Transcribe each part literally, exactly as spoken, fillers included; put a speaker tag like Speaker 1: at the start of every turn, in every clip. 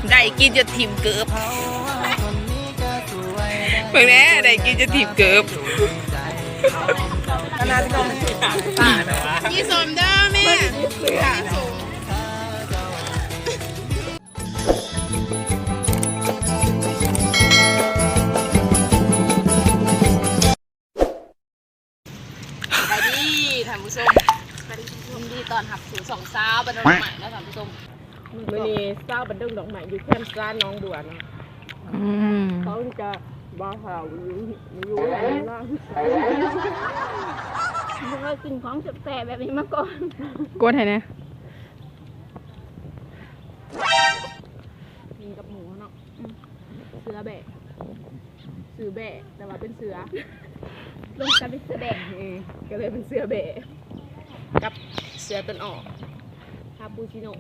Speaker 1: ได้กินจะถิ่มเกือบเมื่อนี้ได้กินจะถิ่มเกือบขนาดก็ยี่สมเด้อแม่ไปดีท่านผู้ชมไปดียินดีตอนหับสู่สองสาวบันดาลใหม่นะท่านผู้ชม
Speaker 2: มื่อนี้เศร้าบันดึงดอกไม้อยู่แคมป์ร้านน้องบัวนะเขาจะบ้าข่าวอยู่อยู่อะไรล่าง
Speaker 3: ไม่เคยกินของแสบแบบนี้มาก่อน
Speaker 1: กดให้นะ
Speaker 2: กินกับหมูเนาะเสือแบะเสือแบะแต่ว่าเป็นเสือ
Speaker 3: ลงกันเป็นเสือแบะ
Speaker 2: ก็เลยเป็นเสือแบะกับเสือต้นออกคาปูชิโน่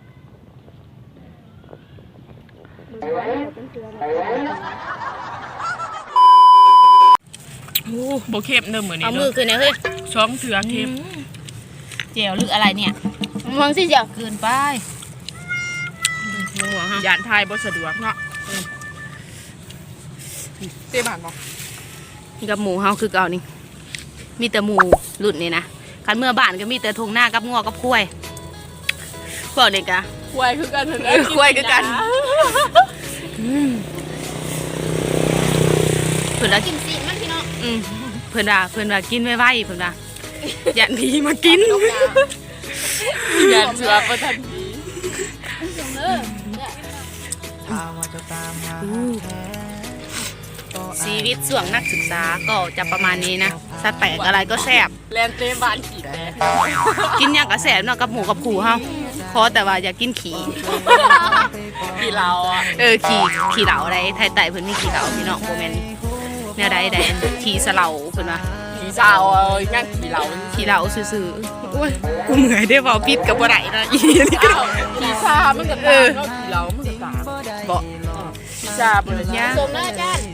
Speaker 1: โอ้โบเข้มเดิมเหมือนนี้
Speaker 3: เอามือขึ้นนะเฮ้ย
Speaker 1: ช้องเสือเข้ม
Speaker 3: เจียวหรืออะไรเนี่ยมองสิเจียวเกินไป
Speaker 1: ยานไทยบ่สะดวกเนาะเจ๊บานบอก
Speaker 3: กับหมูเฮาคือเก่านี่มีแต่หมูหลุดนี่นะคันเมื่อบ้านก็มีแต่ทงหน้ากับงอกับคุ้ยพวกเด็กอะ
Speaker 1: คุ้ยคือกัน
Speaker 3: เออคุ้ยคือกันเพื่อนว่ากินสิมันพี่น้องเพื่อนว่าเพื่อนว่ากินไม่ไหวเพื่อนว่ายันดีมากิน
Speaker 1: ยันเสือประทันดี
Speaker 3: ชีวิตส่วงนักศึกษาก็จะประมาณนี้นะสแต็กอะไรก็แซ่บ
Speaker 1: แลนเต้บานขี่
Speaker 3: กินอย่างก็แซ่บเนาะกับหมูกับขู่เฮาพอแต่ว่าอยากกินขี่
Speaker 1: ขี่เหลาอ่ะ
Speaker 3: เออขี่ขี่เหลาอะไรไทยไต่เพิ่นมีขี่เหลาพี่น้องโมเมนเนี่ยได้ได้ขี่สเหลาเพิ่นว่า
Speaker 1: ขี่สาวเอ้ยนั่งขี่เหลา
Speaker 3: ขี่เหลาซื่อๆโอ้ยกูเหนื่อยได้เว้าผิดกับบ่ได้นะอีนี่ก็
Speaker 1: ขี่ซามันก็ตาเนาะขี่เหลามันก็ตาบ่ขี่ซาบ่ได้ย่าง
Speaker 3: สมนะอาจารย์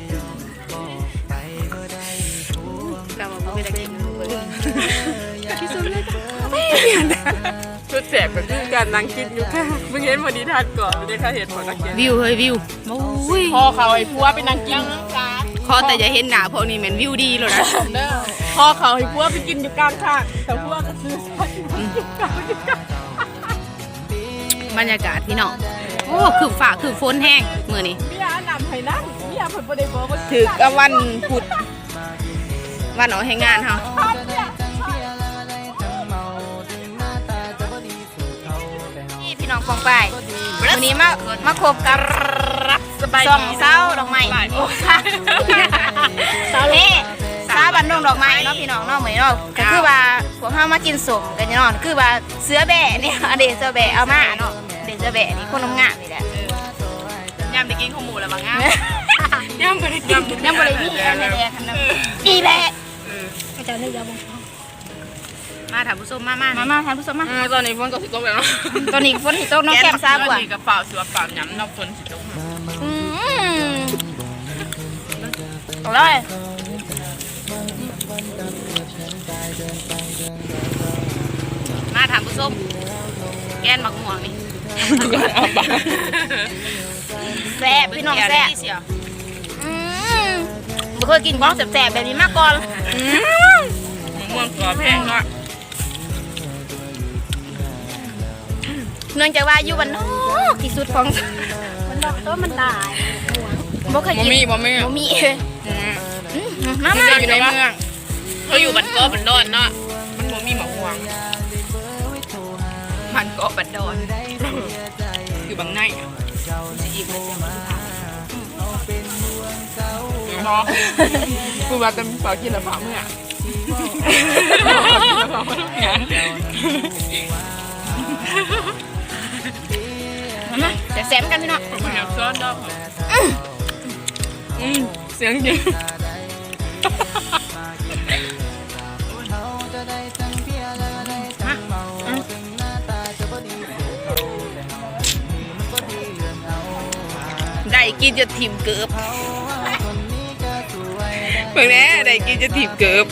Speaker 3: ก็บ่มีได้กินเบิ่งพี่สมเลยจ้ะ
Speaker 1: ชุดแสบกับการนั่งกินอยู่ค่ะเมื่อกี้วันนี้ทานก่อนไม่ได้ค่าเหตุผลนักเก็ต
Speaker 3: วิวเฮ้ยวิว
Speaker 1: พ่อเขาไอ้พัวไปนั่งกิน
Speaker 3: พอแต่จะเห็นหนาพวกนี้เหมือนวิวดีเลยนะ
Speaker 1: พ่อเขาไอ้พัวไปกินอยู่กลางทางแต่พัวก็ซื้อบ
Speaker 3: รรยากาศพี่น้องโอ้คือฝ่าคือฝนแห้งเมื่อนี้
Speaker 1: มีอาหนำให้นั่งมีอาผลประเดี๋ยวบอก
Speaker 3: ถือกะวันพุธวันออกให้งานเขาพี่น้องฟองไปวันนี้มามาคบกับสองเศร้าดอกไม้เศร้าเล่เศร้าบันดงดอกไม้เนาะพี่น้องเนาะเหมือนเนาะก็คือว่าพวกเขามากินสมกันเนาะคือว่าเสือแบะเนี่ยเด็กเสือแบะเอามาเนาะเด็กเสือแบะนี่คนงามนี่แหละ
Speaker 1: ย่ำไปกินข้าวหมูแล้วบางงามย่ำไปกิน
Speaker 3: ย่ำไปเลยพี่แอนแดงขนาดนี่แหละอาจารย์ได้ยาบงมาถามผู้ชมมามามาถามผู้ชมมา
Speaker 1: ตอนนี้ฝนก็สิตกแล้วเนาะ
Speaker 3: ตอนนี้ฝนสิตกน้องแก้มซาบัว
Speaker 1: กับเปล่าเสือเปล่าหยำน้องฝนสิตก
Speaker 3: อืมอร่อยมาถามผู้ชมแกนหมักม่วงนี่แซ่บพี่น้องแซ่บอืมไม่เคยกินของแซ่บๆแบบนี้มาก่อน
Speaker 1: ม่วงกรอบแพงเนาะ
Speaker 3: เนื่องจากว่าอยู่บ้านนอกที่สุดของ
Speaker 2: มันดอกต้นมันตาย
Speaker 3: บ่เคยกิน
Speaker 1: บ่มีบ่มี
Speaker 3: บ่มี
Speaker 1: มามาอยู่ในเมืองเขาอยู่บ้านเกาะบ้านดอนเนาะมันบ่มีหมอกม่วงบ้านเกาะบ้านดอนอยู่บางในสิอีกเลยเนาะกูว่าจะเปล่ากินละพาเมื่อ
Speaker 3: มาจะแซมกันพี่น้อง
Speaker 1: ซ้อนดอกอืมเสียงจริง
Speaker 3: ได้กินจะถิ่มเกือบ
Speaker 1: เมื่อนี้ได้กินจะถิ่มเกือบ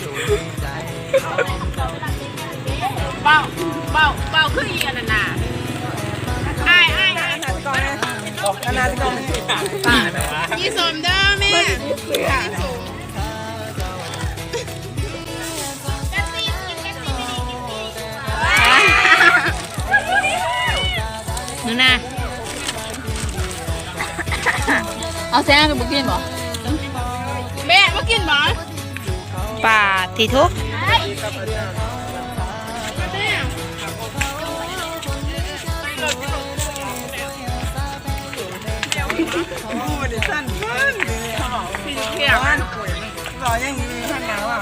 Speaker 1: เบาเบาเบาขึ้นอีกอันน่ะไอ้ไอ้ไอ้
Speaker 2: ขนาดต้อง
Speaker 1: ยี่สมเด้อแม่
Speaker 4: นูน่าเอาแซงกับบุกินบ่
Speaker 1: แม่มากินบ่
Speaker 3: ปาทีทุก
Speaker 2: สั้นขึ้นเขียวรอยังมีท่านหนาวอ่ะ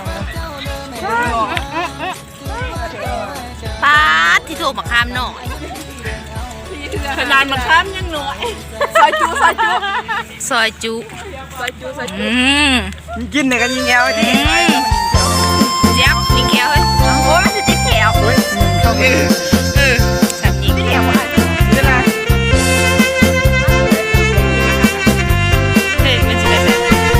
Speaker 3: ปาทีทุกบักคามหน่อย
Speaker 2: ขนาดมาข้ามยังหน่อยซอยจูซอยจู
Speaker 3: ซอยจุ
Speaker 2: ซอยจูซอยจู
Speaker 3: อืม
Speaker 2: กินเนี่ยกันยิงแก้วดิ
Speaker 3: เจี๊ยบยิงแขวเฮ้ยโอ้ยมันจะติดแขว
Speaker 2: เฮ้ยเขาเอง
Speaker 3: เออสามยิงแขวอ่ะ
Speaker 2: นี่นะ
Speaker 3: เฮ้ยมันจะได้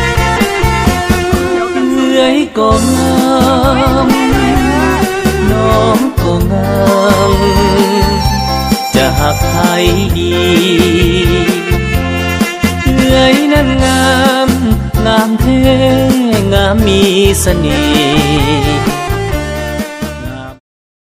Speaker 5: เอื้อยก็งามน้องก็งามจะหักใครดีเอื้อยนั้นงามงามแท้งามมีเสน่ห์